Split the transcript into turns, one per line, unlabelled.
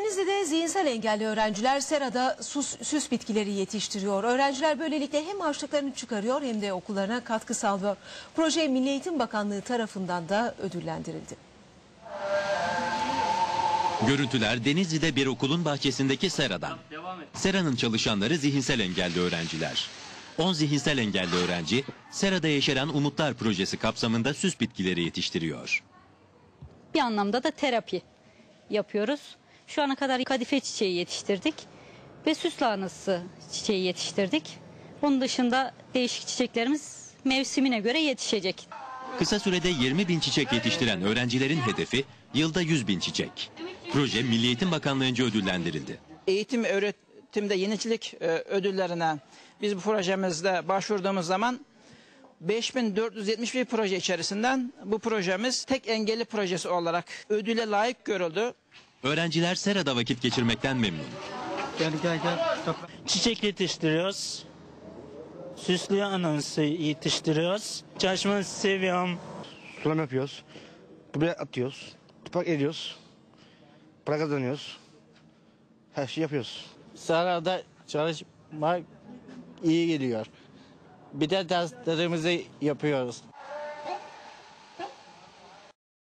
Denizli'de zihinsel engelli öğrenciler serada süs bitkileri yetiştiriyor. Öğrenciler böylelikle hem harçlıklarını çıkarıyor hem de okullarına katkı sağlıyor. Proje Milli Eğitim Bakanlığı tarafından da ödüllendirildi.
Görüntüler Denizli'de bir okulun bahçesindeki seradan. Seranın çalışanları zihinsel engelli öğrenciler. 10 zihinsel engelli öğrenci serada yeşeren Umutlar projesi kapsamında süs bitkileri yetiştiriyor.
Bir anlamda da terapi yapıyoruz. Şu ana kadar kadife çiçeği yetiştirdik ve süs lahanası çiçeği yetiştirdik. Bunun dışında değişik çiçeklerimiz mevsimine göre yetişecek.
Kısa sürede 20.000 çiçek yetiştiren öğrencilerin hedefi yılda 100.000 çiçek. Proje Milli Eğitim Bakanlığı'nca ödüllendirildi.
Eğitim öğretimde yenilik ödüllerine biz bu projemizde başvurduğumuz zaman 5471 proje içerisinden bu projemiz tek engelli projesi olarak ödüle layık görüldü.
Öğrenciler serada vakit geçirmekten memnun.
Gel. Çiçek yetiştiriyoruz. Süslü anansı yetiştiriyoruz. Çalışmayı seviyorum.
Sulama yapıyoruz. Buraya atıyoruz. Toprak ediyoruz. Para kazanıyoruz. Her şeyi yapıyoruz.
Serada çalışmak iyi geliyor. Bir de derslerimizi yapıyoruz.